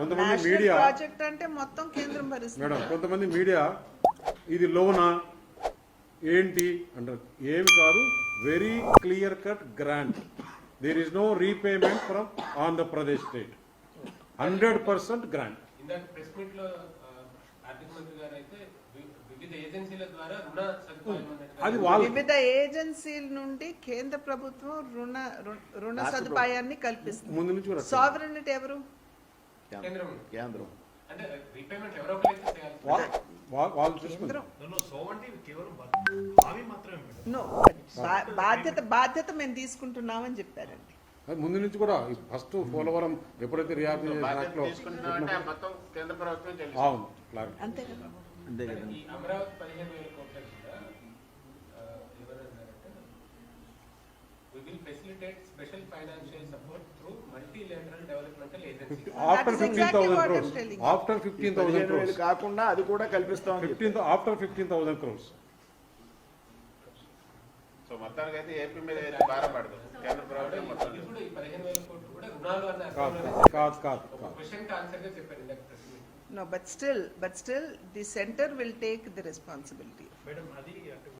కొంతమంది media project అంటే మొత్తం కేంద్రం భరిస్తుంది. మేడం కొంతమంది మీడియా ఇది లోనా ఏంటి అంటారు. ఏమి కాదు, very clear cut grant. There is no repayment from Andhra Pradesh state. 100% grant. ఇందాక ప్రెస్ మీట్ లో ఆర్థిక మంత్రి గారు అయితే వివిధ ఏజెన్సీల ద్వారా రుణ సదుపాయం అది వాళ్ళు వివిధ ఏజెన్సీల నుండి కేంద్ర ప్రభుత్వం రుణ సదుపాయాన్ని కల్పిస్తుంది. ముందు నుంచి కూడా సావరెనిటీ ఎవరు? కేంద్రం అంటే రీపేమెంట్ ఎవరో ఒకరైతే చేయాలి. వాళ్ళు చూసుకుంటారు. నో, బాధ్యత మేము తీసుకుంటున్నామని చెప్పారండి. ముందు నుంచి కూడా ఫస్ట్ పోలవరం ఎప్పుడైతే రియాక్ట్ తీసుకుంటున్నామంటే మొత్తం కేంద్ర ప్రభుత్వం చెల్లిస్తుంది. అవును క్లారిటీ. అంతే కదా. అంతే కదా. ఈ అమరావతి 15,000 కోట్ల కూడా ఎవరన్నారంటే we will facilitate special financial support through multilateral developmental agencies. After That is exactly 15,000 what I'm crores. telling. After 15,000 crores. కాకుండా అది కూడా కల్పిస్తాం. After 15,000 crores. సో మొత్తానికి అయితే ఏపీ మీద అయితే భారం పడదు కేంద్ర ప్రభుత్వం మొత్తం. ఇది కూడా ఈ 15,000 కోట్లు కూడా రుణాలు అన్న కాదు అర్థంలోనే కాదు కాదు ఒక కాదు. క్వశ్చన్ కి ఆన్సర్ గా చెప్పారు ఇందాక press meet. No, but still, the center will take the responsibility. Madam అది